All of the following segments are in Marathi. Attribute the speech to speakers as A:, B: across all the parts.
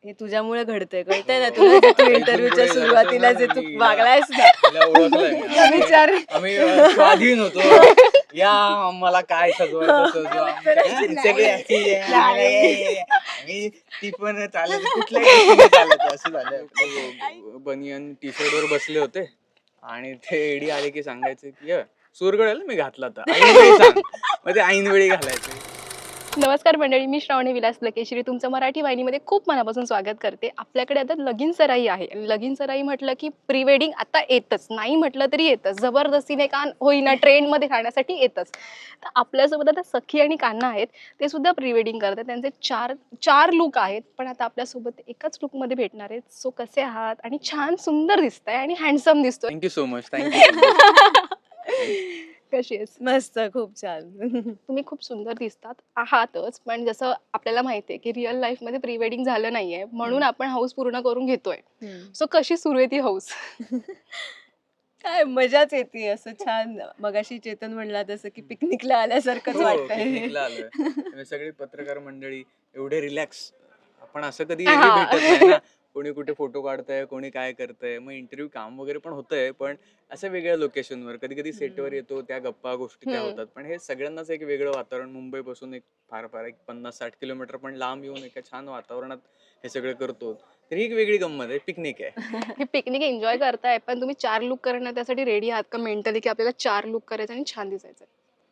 A: हे तुझ्यामुळे घडतंय, कळतंय ना तुला? जे तू इंटरव्ह्यूच्या सुरुवातीला जे तू वागलायस ना, विचार
B: आम्ही स्वाधीन होतो. या मला काय सजवायचं सजवा. सगळे अशी आणि ती पण चालत कुठल्याही चालत असं झालं. बनियन टी शर्ट वर बसले होते आणि ते एडी आले की सांगायचे की सुरगळेल मी घातला तर ऐनवेळी सांग. मग ते ऐनवेळी घालायचे.
C: नमस्कार मंडळी, मी श्रावणी विलास लकेश्री तुमचं मराठी वाहिनीमध्ये खूप मनापासून स्वागत करते. आपल्याकडे आता लगीन सराई आहे. लगीन सराई म्हटलं की प्री वेडिंग आता येतच, नाही म्हटलं तरी येतच, जबरदस्तीने का होईना ट्रेंडमध्ये खाण्यासाठी येतच. तर आपल्यासोबत आता सखी आणि कान्हा आहेत, ते सुद्धा प्री वेडिंग करतात. त्यांचे चार लुक आहेत, पण आता आपल्यासोबत एकाच लुकमध्ये भेटणार आहेत. सो कसे आहात? आणि छान सुंदर दिसताय आणि हँडसम दिसतोय.
B: Thank you so much. थँक्यू.
C: कशी आहेस?
A: मस्त, खूप छान.
C: तुम्ही खूप सुंदर दिसतात आहातच, पण जसं आपल्याला माहितीये की रिअल लाईफ मध्ये प्री वेडिंग झालं नाहीये, म्हणून आपण हाऊस पूर्ण करून घेतोय. सो कशी सुरू आहे ती हाऊस?
A: काय मजाच येते, असं छान. मगाशी चेतन म्हणला तसं की पिकनिकला आल्यासारखंच वाटतंय.
B: पिकनिकला आलोय. सगळी पत्रकार मंडळी एवढे रिलॅक्स आपण असं कधी
C: हा.
B: भेटत नाही ना. कोणी कुठे फोटो काढतंय, कोणी काय करतंय, मग इंटरव्ह्यू काम वगैरे पण होतंय, पण असं वेगळ्या लोकेशनवर कधी कधी सेटवर येतो, त्या गप्पा गोष्टी त्या होतात. पण हे सगळ्यांनाच एक वेगळं वातावरण, मुंबईपासून एक फार एक 50-60 किलोमीटर पण लांब येऊन एका छान वातावरणात हे सगळं करतो. तर ही एक वेगळी गंमत आहे, पिकनिक आहे.
C: ही पिकनिक एन्जॉय करताय, पण तुम्ही 4 लुक करणं त्यासाठी रेडी आहात का मेंटली, की आपल्याला 4 लुक करायचं आणि छान दिसायचं?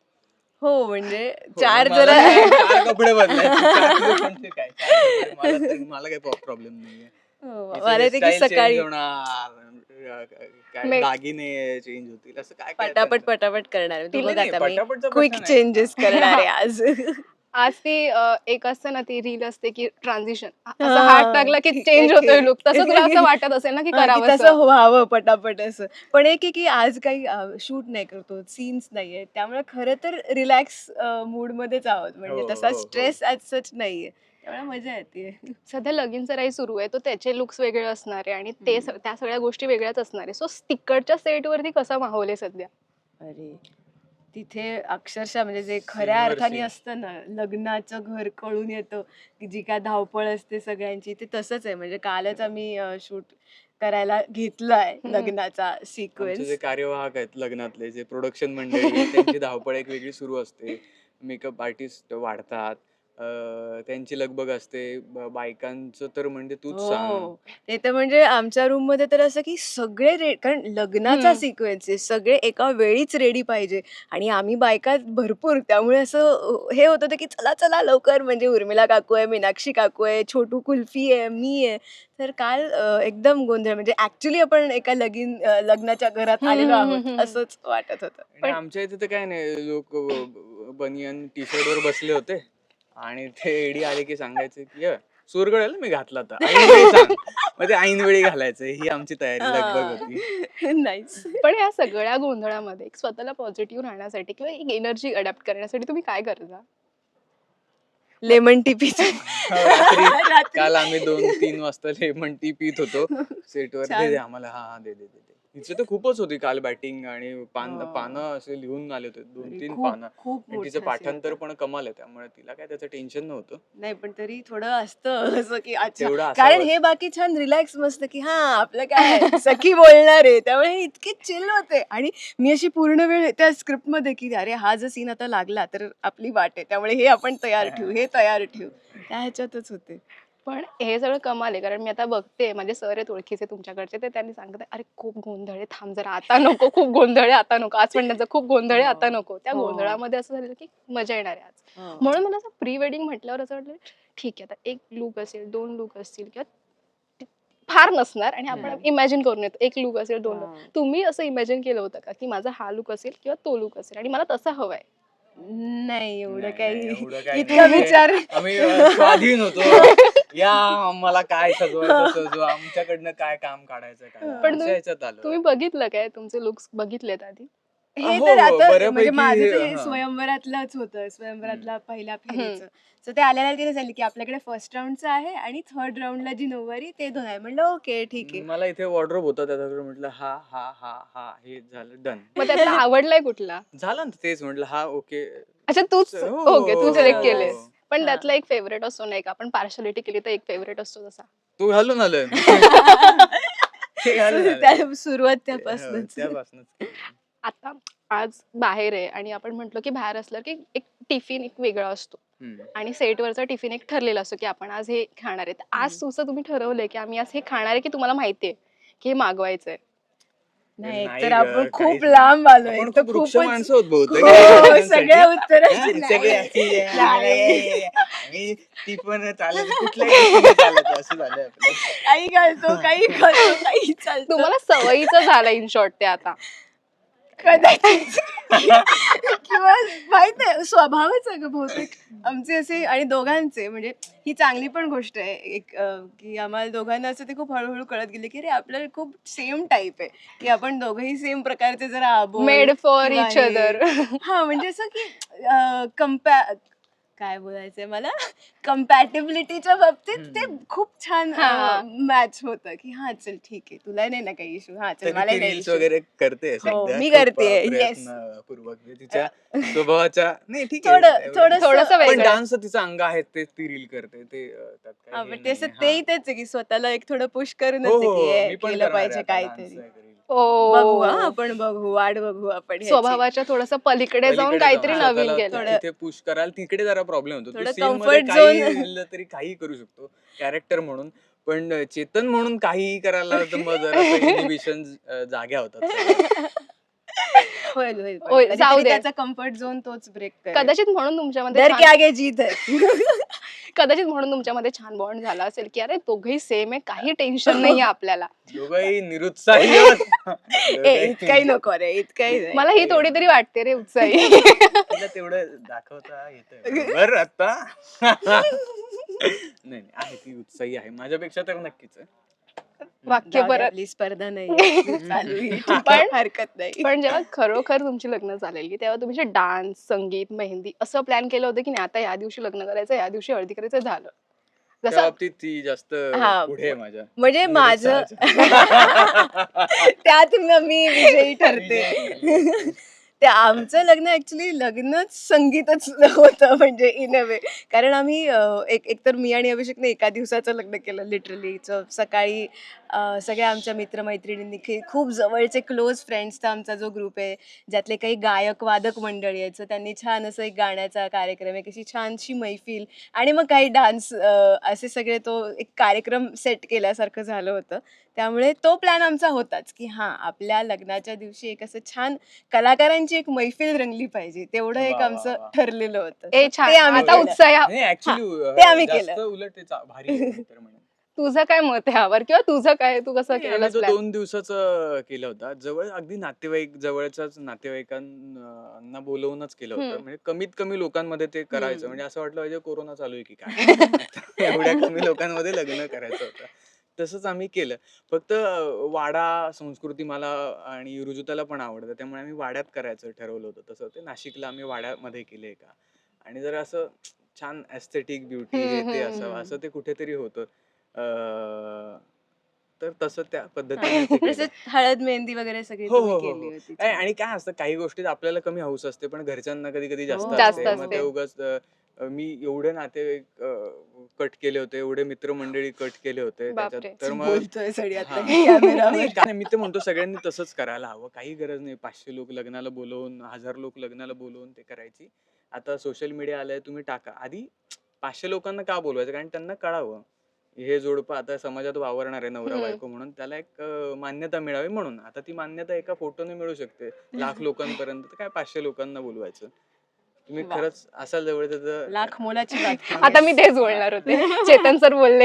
A: हो, म्हणजे
B: हो,
A: चार
B: मला
A: जरा
B: काय, 4 कपडे बदलायचे, 4 दिवस म्हणजे काय, 4 कपडे. मला काही प्रॉब्लेम नाहीये.
A: हो,
B: हे
A: मला
B: सगळे
A: ते की
B: स्टाईल चेंज
A: सकाळी
B: होणार, काय
C: मे-
B: दागिने चेंज होतील, असं काय काय
A: पटापट पटापट करणार. तू
B: केलं
A: बघ
B: नाही,
A: आता मी
B: पटापटचा
A: क्विक
B: प्रश्न नाही.
A: चेंजेस करणार आहे आज.
C: आज ती एक असतं ना, ती रील असते की ट्रान्झिशन, असं
A: हा,
C: हात टाकला की चेंज होतोय लुक, तसं तुला असं वाटत असेल ना की
A: हा, की
C: करावं
A: तसं व्हावं पटापट असं. पण एक आहे की आज काही शूट नाही करतो, सीन्स नाहीये, त्यामुळे खरं तर रिलॅक्स मूड मध्येच आहोत. म्हणजे
B: हो,
A: तसा
B: हो, हो.
A: स्ट्रेस ऍज सच नाहीये, त्यामुळे मजा येते.
C: सध्या लगीन सराई सुरू आहे, तो त्याचे लुक्स वेगळे असणार आहे आणि त्या सगळ्या गोष्टी वेगळ्याच असणार आहे. सो तिकडच्या सेटवरती कसा माहोल आहे सध्या?
A: अरे, तिथे अक्षरशः म्हणजे जे खऱ्या
B: Scene वर
A: अर्थाने
B: scene.
A: असतं ना, लग्नाचं घर कळून येतं, की जी काय धावपळ असते सगळ्यांची, ते तसंच आहे. म्हणजे कालच आम्ही शूट करायला घेतलाय लग्नाचा
B: आमचे जे
A: सिक्वेन्स.
B: कार्यवाहक आहेत लग्नातले, जे प्रोडक्शन मंडळी आहे, त्यांची धावपळ एक वेगळी सुरू असते. मेकअप आर्टिस्ट वाढतात, त्यांची लगबग असते. बायकांचं तर म्हणजे तूच सांग.
A: हो, ते तर म्हणजे आमच्या रूम मध्ये तर असं की सगळे कारण लग्नाचा सिक्वेन्स आहे, सगळे एका वेळीच रेडी पाहिजे आणि आम्ही बायका भरपूर, त्यामुळे असं हे होत होतं की चला चला लवकर. म्हणजे उर्मिला काकू आहे, मीनाक्षी काकू आहे, छोटू कुल्फी आहे, मी आहे. तर काल एकदम गोंधळ, म्हणजे ऍक्च्युली आपण एका लग्नाच्या घरात आलेलो आहोत असंच वाटत होतं.
B: आणि आमच्या इथे तर काय नाही, लोक बनियन टी शर्ट वर बसले होते आणि ते एडी आले की सांगायचे की सुरगळेल मी घातला तर ऐनवेळी सांग. मग ते ऐनवेळी घालायचं, ही आमची तयारी लगबग होती.
A: नाईस.
C: पण या सगळ्या गोंधळामध्ये एक स्वतःला पॉझिटिव्ह राहण्यासाठी किंवा एक एनर्जी अडॅप्ट करण्यासाठी तुम्ही काय करता?
A: लेमन टी पितो.
B: रात्री काल आम्ही 2-3 वाजता लेमन टी पित होतो सेटवर.
A: छान.
B: दे आम्हाला, हा हा दे दे दे. हिचं तर खूपच होती काल बॅटिंग आणि
A: हा.
B: पानं असे लिहून आले होते, 2-3
A: खूप
B: पानं.
A: खूप
B: आणि तिचं
A: मोठं
B: पाठांतर
A: असेल.
B: पण कमाल आहे, त्यामुळे तिला काय त्याचं टेन्शन नव्हतं.
A: नाही, पण तरी थोडं असतं असं की अच्छा,
B: तेवढं
A: कारण
B: असावंच.
A: हे बाकी छान रिलॅक्स मस्त की हा आपलं काय सखी बोलणार आहे, त्यामुळे हे इतके चिल होते. आणि मी अशी पूर्ण वेळ त्या स्क्रिप्ट मध्ये की अरे हा जर सीन आता लागला तर आपली वाट आहे, त्यामुळे हे आपण तयार ठेवू, हे तयार ठेवू, त्या ह्याच्यातच होते.
C: पण हे सगळं कमाल आहे, कारण मी आता बघते माझे सर आहेत ओळखीचे तुमच्याकडचे, ते त्यांनी सांगत अरे खूप गोंधळ आहे, थांब जरा, आता नको, खूप गोंधळ आहे, आता नको. आज पण त्यांचं खूप गोंधळ आहे, आता नको. त्या
A: हो.
C: गोंधळामध्ये असं झालं की मजा येणार आहे आज.
A: हो.
C: म्हणून मला असं प्री वेडिंग म्हटल्यावर असं वाटलं ठीक आहे, आता एक लुक असेल, 2 लुक असतील किंवा फार नसणार आणि आपण इमॅजिन करून येतो एक लुक असेल, 2 लुक.
A: हा.
C: तुम्ही असं इमॅजिन केलं होतं का की माझा हा लुक असेल किंवा तो लुक असेल आणि मला तसं हवंय?
A: नाही, एवढं
B: नाही,
A: काही
B: एवढं काही
A: इतका
B: नाही.
A: विचार.
B: आम्ही स्वाधीन होतो. या मला काय सजवायचं सजवा, आमच्याकडनं काय काम काढायचं काय,
C: पण
B: अशा ह्याच्यात आलो.
C: तुम्ही बघितलं काय तुमचे लुक्स बघितलेत आधी?
A: हे
B: हो,
A: तर
B: हो,
A: आता म्हणजे
B: बऱ्यापैकी,
A: माझं तर हे
B: हा.
A: स्वयंवरातलंच होतं, स्वयंवरातला पहिल्या फेरीचं. सो ते आल्याला तिने सांगितलं की आपल्याकडे फर्स्ट राऊंडचं आहे आणि थर्ड राऊंडला जी नऊवारी ते 2 आहे. म्हणलं ओके ठीक आहे.
B: मला इथे वॉर्डरोब होता, त्याच्याकडे म्हटलं हा हा हा हा हे झालं डन.
C: मग त्यातला आवडलाय कुठला?
B: झालं ना तेच, म्हटलं हा ओके.
C: अच्छा, तूच
B: हो,
C: ओके, तू
B: हो,
C: सिलेक्ट
B: हो,
C: केले.
B: हो.
C: पण
A: हा.
C: त्यातला एक फेवरेट असतो नाही का, आपण पार्शालिटी केली तर एक फेवरेट असतो तसा.
B: तू घालून आलोय मी. ते घालून आलोय.
A: त्या सुरुवात
B: हो,
A: त्यापासूनच.
B: त्यापासूनच.
C: आता आज बाहेर आहे आणि आपण म्हटलो की बाहेर असलं की एक टिफिन एक वेगळा असतो
B: हम्म.
C: आणि सेटवरचा टिफिन एक ठरलेला असतो की आपण आज हे खाणार आहे. तर आज तुझं तुम्ही ठरवलंय की आम्ही आज हे खाणार आहे की तुम्हाला माहितीये की हे मागवायचंय?
A: नाही
B: नाही
A: तर
B: ग,
A: आपण
B: काहीच
A: खूप
B: नाही.
A: लांब आलोय.
B: आपण
A: एक तर
B: खूप वृक्ष
A: खूपच
B: माणसं होत बहुतेक
A: हो,
B: या
A: सगळ्या
B: गोष्टींसाठी.
A: उत्तराची
B: हा, सगळे
A: नाही.
B: अशी आहे, आम्हाला मी ती पण चालत कुठल्याही गोष्टीने चालत असं झालं आपलं.
A: काही घालतो काही घालतो काही चालतो
C: तुम्हाला सवयीचं झालं इन शॉर्ट ते आता.
A: कदाचित किंवा माहित नाही स्वभावच आहे ग बहुतेक आमचे असे आणि दोघांचे म्हणजे ही चांगली पण गोष्ट आहे एक की आम्हाला दोघांना असं ते खूप हळूहळू कळत गेले की अरे आपल्याला खूप सेम टाईप आहे की आपण दोघंही सेम प्रकारचे जरा आबोल
C: मेड फॉर
A: किंवा
C: इच
A: हे.
C: अदर.
A: हा म्हणजे असं की काय बोलायचंय मला कम्पॅटेबिलिटीच्या बाबतीत ते खूप छान
C: हा.
A: मॅच होतं की हा चल ठीक आहे तुला नाही ना काही इशू हा चल
B: तरी
A: मला
B: ती
A: नाही
B: रील्स
A: issue.
B: वगैरे करते
A: हो,
B: सध्या
A: मी
B: खूप,
A: करतेय, yes.
B: प्रयत्नपूर्वक. तिच्या स्वभावाच्या नाही ठीक
A: थोडं
B: आहे एवढं-
C: थोडंसं
B: पण
C: वेगळं.
B: डान्स तिचं अंग आहे ते ती रील करते ते त्यात काही
A: हा,
B: हे
A: पण ते असं
B: नाहीये.
A: तेही
B: हा.
A: तेच आहे की स्वतःला एक थोडं पुश करूनच
B: हो
A: आहे
B: हो
A: की हे
B: मी पण
A: केलं
B: करणार आहे
A: पाहिजे
B: आता
A: काहीतरी
B: dance एक reel.
A: बघू हा
C: ओ,
A: आपण बघू वाट बघू आपण ह्याची.
C: स्वभावाच्या थोडस पलीकडे जाऊन
B: पलीकडे
C: काहीतरी
B: जाऊन
C: नवीन
B: स्वतःला
C: केलं.
A: थोडं-
B: तिथे पुश कराल तिकडे जरा प्रॉब्लेम होतो. तू
A: थोडं
B: सीन मध्ये
A: comfort
B: काही
A: zone.
B: लिहिलं तरी काही करू शकतो कॅरेक्टर म्हणून, पण चेतन म्हणून काहीही करायला तर मग जरा इनिबिशन जाग्या होतात सगळ्या.
A: होईल होईल पण
C: होईल,
A: कधीतरी
C: जाऊ दे.
A: त्याचा कम्फर्ट झोन तोच ब्रेक करेल.
C: कदाचित म्हणून तुमच्यामध्ये
A: डर के
C: छान-
A: आगे जीत है.
C: कदाचित म्हणून तुमच्यामध्ये छान बॉन्ड झाला असेल की अरे दोघही सेम आहे, काही टेन्शन नाहीये आपल्याला.
B: दोघंही निरुत्साही आहोत.
A: ए
B: दोघंही-
A: इतकाही नको रे इतकाही नाही.
C: मला ही थोडी तरी वाटते रे उत्साही.
B: तिला तेवढं दाखवता येतंय बरोबर आता. नाही नाही, आहे ती उत्साही आहे माझ्यापेक्षा तर नक्कीच आहे.
C: वाक्य
A: जाऊ दे,
C: परत.
A: आपली स्पर्धा नाही चालू आहे. ठीक आहे,
C: पण-
A: हरकत नाही.
C: पण जेव्हा खरोखर तुमची लग्न झालेली तेव्हा तुम्ही डान्स, संगीत, मेहंदी असं प्लॅन केलं होतं की नाही आता या दिवशी लग्न करायचं, या दिवशी हळदी करायचं, झालं
B: त्या
C: जसं
B: बाबतीत ती जास्त
A: हा,
B: पुढे आहे माझ्या.
A: म्हणजे माझं
B: निरुत्साहाच्या.
A: त्यात मी विजयी ठरते.
B: विजयी.
A: ते आमचं लग्न ऍक्च्युली लग्नच संगीतच होतं म्हणजे इन अ वे कारण आम्ही एकतर मी आणि अभिषेकने एका दिवसाचं लग्न केलं लिटरली सकाळी सगळ्या आमच्या मित्रमैत्रिणींनी खूप जवळचे क्लोज फ्रेंड्सचा आमचा जो ग्रुप आहे ज्यातले काही गायक वादक मंडळी आहेत त्यांनी छान असं एक गाण्याचा कार्यक्रम एक अशी छानशी मैफिल आणि मग काही डान्स असे सगळे तो एक कार्यक्रम सेट केल्यासारखं झालं होतं. त्यामुळे तो प्लॅन आमचा होताच की हां आपल्या लग्नाच्या दिवशी एक असं छान कलाकारांची एक मैफिल रंगली पाहिजे तेवढं एक
B: वा, वा,
A: आमचं
B: वा.
A: ठरलेलं होतं.
C: ए
A: So
C: छान,
A: ते आम्ही
C: आता
A: केलं.
C: उत्साह.
B: नाही ऍक्च्युली
A: ते आम्ही
B: जास्त
A: केलं.
B: उलट ते भारी आहे तर म्हणेन.
C: तुझं काय मत आहे यावर किंवा तुझं काय, तू कसं
B: नाही,
C: केलं
B: आम्ही तो
C: प्लॅन?
B: 2 दिवसाचं केलं होता. जवळ अगदी नातेवाईक जवळच्याच नातेवाईकांना बोलवूनच केलं होतं.
C: हम्म.
B: म्हणजे कमीत कमी लोकांमध्ये ते करायचं.
A: हम्म.
B: म्हणजे असं वाटलं पाहिजे कोरोना चालू आहे की काय? एवढ्या कमी लोकांमध्ये लग्न करायचं होतं. तसंच आम्ही केलं. फक्त वाडा संस्कृती मला आणि रुजुताला पण आवडतं. त्यामुळे आम्ही वाड्यात करायचं ठरवलं होतं. तसं ते नाशिकला आम्ही वाड्यामध्ये केलंय का आणि जरा असं छान एस्थेटिक ब्युटी हे ते असावं असं ते कुठेतरी होतं. तर तसं त्या पद्धतीने ते केलं.
A: तसंच हळद मेहंदी वगैरे सगळी
B: हो,
A: तुम्ही
B: हो, हो,
A: केली
B: हो.
A: होती.
B: आणि काय असतं काही गोष्टीत आपल्याला कमी हौस असते पण घरच्यांना कधी कधी जास्त
A: हो.
C: जास्त
B: असते. मग
C: असते.
B: ते उगाच मी एवढे नातेवाईक कट केले होते, एवढे मित्रमंडळी कट केले होते
C: बापरे.
B: त्याच्यात तर मग
A: बोलतोय सडी आता
B: हा.
A: कॅमेरावर.
B: नाही काय मी ते म्हणतो सगळ्यांनी तसंच करायला हवं. काही गरज नाही 500 लोक लग्नाला बोलवून 1000 लोक लग्नाला बोलवून ते करायची. आता सोशल मीडिया आलाय तुम्ही टाका. आधी 500 लोकांना का बोलवायचं कारण त्यांना कळावं हे जोडपं आता समाजात वावरणार आहे नवरा बायको म्हणून त्याला एक मान्यता मिळावी म्हणून. आता ती मान्यता एका फोटोने मिळू शकते लाख लोकांपर्यंत तर काय 500 लोकांना बोलवायचं. तुम्ही
A: वा.
B: खरंच असाल जवळ तर
A: लाख मोलाची बात केली
C: आता मी तेच बोलणार होते. चेतन सर बोलले.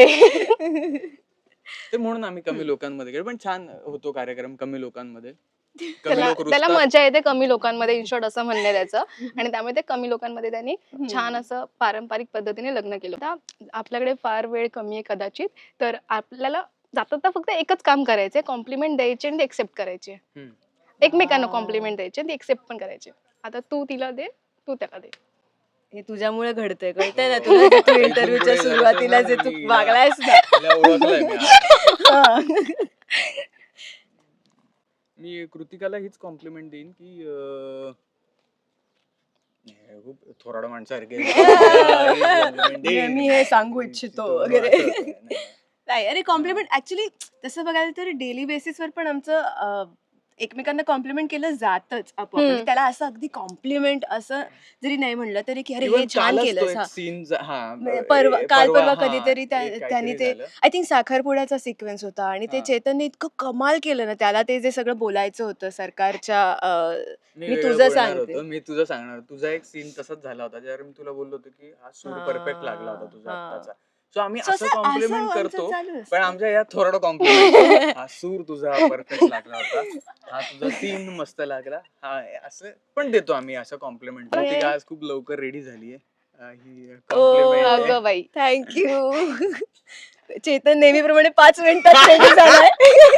B: ते म्हणून आम्ही कमी लोकांमध्ये केलं पण छान होतो कार्यक्रम कमी लोकांमध्ये. कमी
C: त्याला
B: लोक
C: त्याला
B: रुसतात.
C: मजा येते कमी लोकांमध्ये इन शॉर्ट असं म्हणणे त्याचं आणि त्यामुळे ते कमी लोकांमध्ये त्यांनी छान असं पारंपरिक पद्धतीने लग्न केलं. आता आपल्याकडे फार वेळ कमी आहे कदाचित तर आपल्याला जाता फक्त एकच काम करायचंय कॉम्प्लिमेंट द्यायचे आणि एक्सेप्ट करायचे.
B: हम्म.
C: एकमेकांना कॉम्प्लिमेंट द्यायचे आणि एक्सेप्ट पण करायचे. आता तू तिला दे, तू त्याला दे.
A: हे तुझ्यामुळे घडतंय कळतंय ना
B: हो.
A: तुला जे तू
B: आता इथून
A: इंटरव्ह्यूच्या
B: पुढे
A: सुरुवातीला जे
B: जरासं
A: तू
B: मी
A: वागलायस ना
B: हिला ओळखलंय मी आता.
A: हा.
B: मी कृतिकाला हीच कॉम्प्लिमेंट देईन की खूप थोराड माणसासारखे
A: मी हे सांगू इच्छितो वगैरे. नाही अरे कॉम्प्लिमेंट ऍक्च्युली तसं बघायला तर डेली बेसिसवर पण आमचं एकमेकांना कॉम्प्लिमेंट केलं जातच आपोआप. म्हणजे त्याला असं अगदी कॉम्प्लिमेंट असं जरी नाही म्हणलं तरी की अरे हे छान केलंस.
B: सीन
A: काल परवा कधीतरी त्यांनी ते आय थिंक साखरपुड्याचा सिक्वेन्स होता आणि ते
B: हा.
A: चेतनने इतकं कमाल केलं ना त्याला ते जे सगळं बोलायचं होतं सरकारच्या
B: मी
A: मी
B: वेगळं
A: तुझं
B: बोलणार
A: सांगते.
B: होतो, मी तुझं सांगणार. तुझा एक सीन तसाच झाला होता ज्यावर मी तुला बोललो होतो की हा सूर परफेक्ट लागला होता तुझा
A: हा.
B: आत्ताचा. सो आम्ही
A: So
B: असं
A: असं
B: कॉम्प्लिमेंट
A: आमचं
B: करतो,
A: चालू
B: पण
A: असतं.
B: आमच्या या थोरड कॉम्प्लिमेंट हा सूर तुझा परफेक्ट लागला होता, हा तुझा सीन मस्त लागला, हा असं पण देतो आम्ही असं कॉम्प्लिमेंट.
A: अरे.
B: ती आज खूप लवकर रेडी झालीये. ही
A: ओ,
B: कॉम्प्लिमेंट आहे.
C: अगं बाई.
A: थँक्यू. चेतन नेहमीप्रमाणे 5 मिनिटात रेडी झालाय.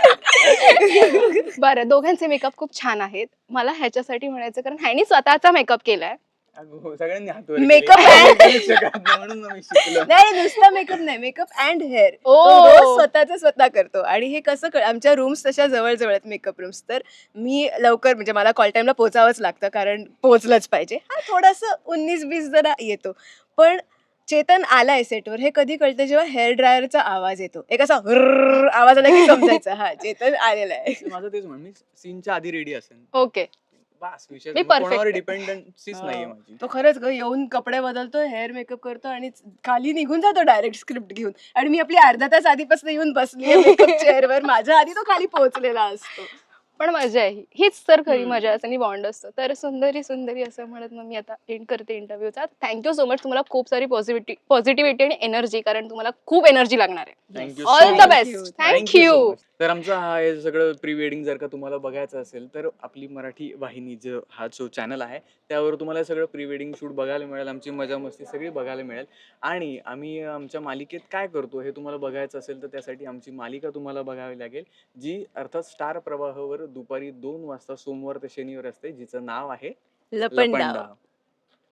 C: बरं, दोघांचे मेकअप खूप छान आहेत. मला ह्याच्यासाठी म्हणायचं कारण ह्यानी स्वतःचा मेकअप केलाय.
B: अगं हो, सगळ्यांनी हात वर
A: Makeup
B: केले.
A: and-
B: करूच शकत नाही म्हणून मी शिकलो.
A: नाही नुसता मेकअप नाही मेकअप अँड हेअर
C: ओ.
A: रोज स्वतःच स्वतः करतो आणि हे कसं आमच्या रूम्स तशा जवळ जवळ आहेत मेकअप रूम्स. तर मी लवकर म्हणजे मला कॉल टाइमला पोहोचावंच लागतं कारण पोहोचलंच पाहिजे. हा थोडंसं 19-20 जरा येतो पण चेतन आलाय सेटवर हे कधी कळतं जेव्हा हेअर ड्रायरचा आवाज येतो. एक असा हुर्र आवाज आला की समजायचं हा चेतन आलेला आहे.
B: माझं तेच म्हण, मी सीनच्या आधी रेडी असेल
C: ओके.
B: बस विषय
C: मी
B: मग
C: perfect
B: कोणावर
C: आहे.
B: डिपेंडन्सीच नाहीये माझी.
A: तो खरंच ग येऊन कपडे बदलतो हेअर मेकअप करतो आणि खाली निघून जातो डायरेक्ट स्क्रिप्ट घेऊन आणि मी आपली अर्धा तास आधीपासून येऊन बसली मेकअप चेअरवर माझ्या आधी तो खाली पोहोचलेला असतो.
C: पण मजा आहे हीच तर खरी
A: हम्म.
C: मजा असते आणि बॉन्ड असतो. तर सुंदरी सुंदरी असं म्हणत मग मी आता एंड करते इंटरव्ह्यूचा. Thank you so much. तुम्हाला खूप सारी पॉझिटिव्हिटी आणि एनर्जी कारण तुम्हाला खूप एनर्जी लागणार आहे.
B: Thank you
C: all
B: so
C: the
B: much.
C: Best.
B: Thank you
C: thank you.
B: so much. तर आमचं हा हे सगळं प्री वेडिंग जर का तुम्हाला बघायचं असेल तर आपली मराठी वाहिनी जो हा जो चॅनल आहे त्यावर तुम्हाला सगळं प्री वेडिंग शूट बघायला मिळेल, आमची मजा मस्ती सगळी बघायला मिळेल. आणि आम्ही आमच्या मालिकेत काय करतो हे तुम्हाला बघायचं असेल तर त्यासाठी आमची मालिका तुम्हाला बघावी लागेल, जी अर्थात स्टार प्रवाहावर दुपारी 2 वाजता सोमवार ते शनिवार असते, जिचं नाव आहे
A: लपंडाव.
B: लपंडाव.